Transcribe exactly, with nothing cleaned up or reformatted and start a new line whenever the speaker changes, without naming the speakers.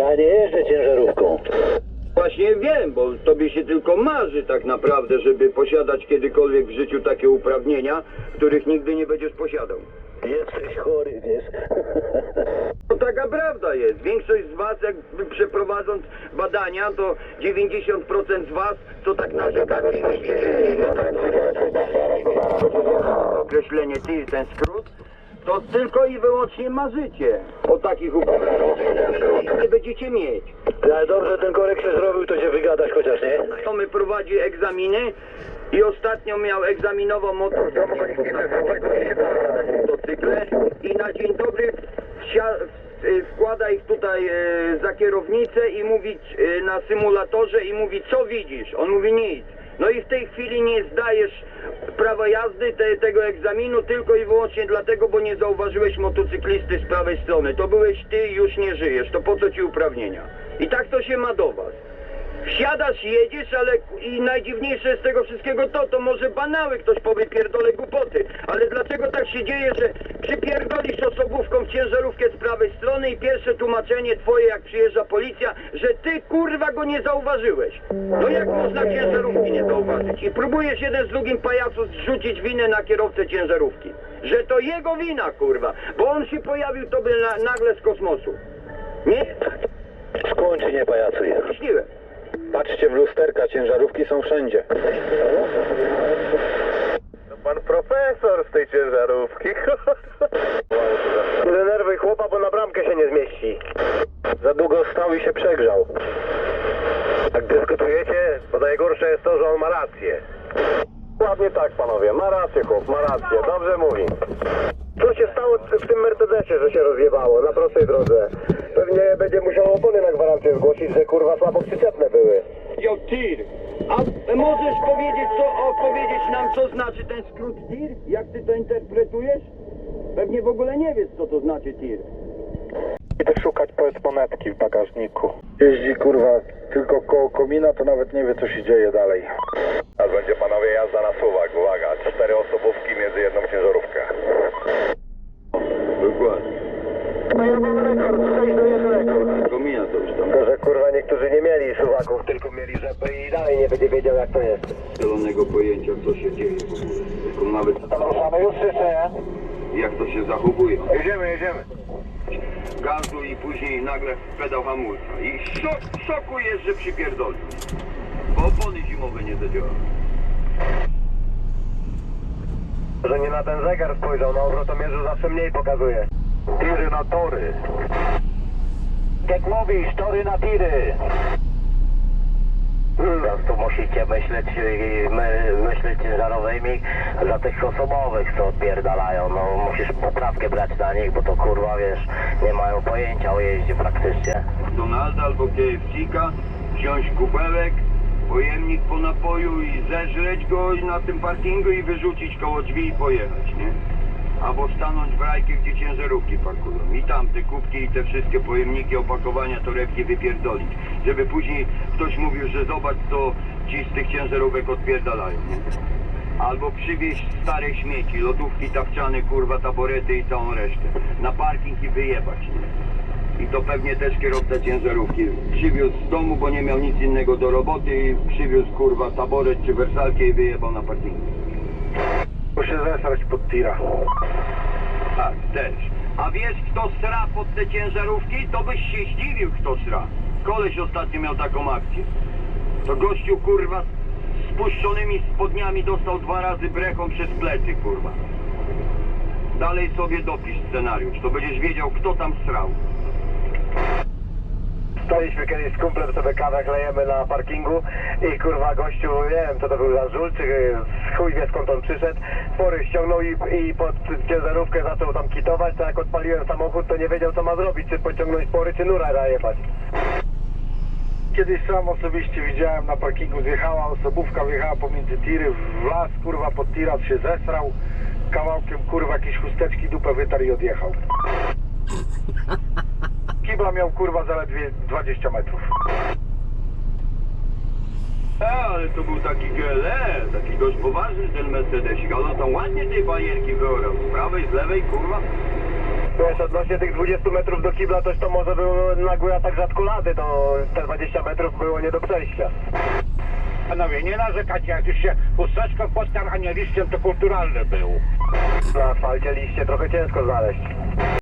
Ja nie jeżdżę ciężarówką.
Właśnie wiem, bo tobie się tylko marzy tak naprawdę, żeby posiadać kiedykolwiek w życiu takie uprawnienia, których nigdy nie będziesz posiadał.
Jesteś chory, wiesz.
To taka prawda jest. Większość z was, jakby przeprowadząc badania, to dziewięćdziesiąt procent z was, co tak narzekają, określenie ty, ten skrót, to tylko i wyłącznie marzycie o takich uprawnieniach. Nie będziecie mieć.
Ale dobrze ten korek się zrobił, to się wygadać chociaż, nie?
To my prowadzi egzaminy i ostatnio miał egzaminował motocykle i na dzień dobry wsia- wkłada ich tutaj e, za kierownicę i mówi e, na symulatorze i mówi, co widzisz? On mówi nic. No i w tej chwili nie zdajesz prawa jazdy te, tego egzaminu tylko i wyłącznie dlatego, bo nie zauważyłeś motocyklisty z prawej strony. To byłeś ty i już nie żyjesz. To po co ci uprawnienia? I tak to się ma do was. Wsiadasz, jedziesz, ale i najdziwniejsze z tego wszystkiego to, to może banały, ktoś powie pierdolę głupoty, ale dlaczego tak się dzieje, że przypierdolisz osobówką w ciężarówkę z prawej strony i pierwsze tłumaczenie twoje, jak przyjeżdża policja, że ty kurwa go nie zauważyłeś. No jak można ciężarówki nie zauważyć? I próbujesz jeden z drugim pajacu zrzucić winę na kierowcę ciężarówki, że to jego wina kurwa, bo on się pojawił tobie na, nagle z kosmosu. Nie?
Skończy, nie pajacuję.
Myśliłem.
Patrzcie w lusterka, ciężarówki są wszędzie.
To pan profesor z tej ciężarówki. Nie denerwuj chłopa, bo na bramkę się nie zmieści.
Za długo stał i się przegrzał.
Jak dyskutujecie, to najgorsze jest to, że on ma rację. Ładnie tak, panowie. Ma rację, chłop, ma rację. Dobrze mówi. Co się stało w tym Mercedesie, że się rozjebało na prostej drodze? Pewnie będzie musiał opony na gwarancję zgłosić, że kurwa słabo przyczepne były.
Yo, tir. A możesz powiedzieć, co, o, powiedzieć nam, co znaczy ten skrót tir? Jak ty to interpretujesz? Pewnie w ogóle nie wiesz, co to znaczy tir.
Idę szukać monetki w bagażniku. Jeździ kurwa tylko koło komina, to nawet nie wie co się dzieje dalej.
Teraz będzie panowie jazda na suwak. Uwaga, cztery osobówki między jedną ciężarówkę.
Dokładnie.
No ja mam rekord, sześć do jeden rekord.
Komina to już tam.
To, że kurwa niektórzy nie mieli suwaków, tylko mieli rzepy i dalej nie będzie wiedział jak to jest.
Zielonego pojęcia, co się dzieje w ogóle. Tylko nawet
Ruszamy już czy nie?
jak to się zachowuje.
Jedziemy, jedziemy.
Gazu i później nagle pedał hamulca. I szok, szoku jest, że przypierdolił. Bo opony zimowe nie zadziałały.
Że nie na ten zegar spojrzał, na obrotomierzu zawsze mniej pokazuje. Tiry na tory. Jak mówisz, tory na tiry. Teraz tu musicie myśleć, my, myśleć ciężarowymi za tych osobowych, co odpierdalają. No musisz poprawkę brać na nich, bo to kurwa wiesz, nie mają pojęcia o jeździe praktycznie.
Donalda albo K F C-ka, wziąć kubełek, pojemnik po napoju i zeżreć go na tym parkingu i wyrzucić koło drzwi i pojechać, nie? Albo stanąć w rajkę, gdzie ciężarówki parkują. I tam te kubki i te wszystkie pojemniki, opakowania, torebki wypierdolić. Żeby później ktoś mówił, że zobacz, co ci z tych ciężarówek odpierdalają, nie? Albo przywieźć stare śmieci, lodówki, tawczane, kurwa, taborety i całą resztę. Na parking i wyjebać, nie? I to pewnie też kierowca ciężarówki przywiózł z domu, bo nie miał nic innego do roboty i przywiózł, kurwa, taboret czy wersalkę i wyjebał na parkingu.
Muszę zesrać pod tira.
Tak, też. A wiesz, kto sra pod te ciężarówki? To byś się zdziwił, kto sra. Koleś ostatnio miał taką akcję. To gościu, kurwa, z spuszczonymi spodniami dostał dwa razy brechą przez plecy, kurwa. Dalej sobie dopisz scenariusz, to będziesz wiedział, kto tam srał.
Staliśmy kiedyś z kumplem, sobie kawę klejemy na parkingu i kurwa gościu, nie wiem co to był za żul, czy chuj wie skąd on przyszedł, spory ściągnął i, i pod ciężarówkę zaczął tam kitować, to jak odpaliłem samochód, to nie wiedział co ma zrobić, czy pociągnąć spory, czy nura najebać.
Kiedyś sam osobiście widziałem na parkingu, zjechała osobówka, wjechała pomiędzy tiry, w las, kurwa pod tiras się zesrał, kawałkiem kurwa jakieś chusteczki dupę wytarł i odjechał. Kibla miał kurwa zaledwie dwadzieścia metrów.
E, ale to był taki G L E, taki dość poważny ten Mercedesik, ale on tam ładnie tej bajerki wyorał, z prawej, z lewej, kurwa.
Wiesz, odnośnie tych dwudziestu metrów do kibla, toś to może był nagły atak rzadkolady, to te dwadzieścia metrów było nie do przejścia.
Panowie, nie narzekacie, jak już się chusteczką potarł, a nie liściem, to kulturalny był.
Na asfalcie liście trochę ciężko znaleźć.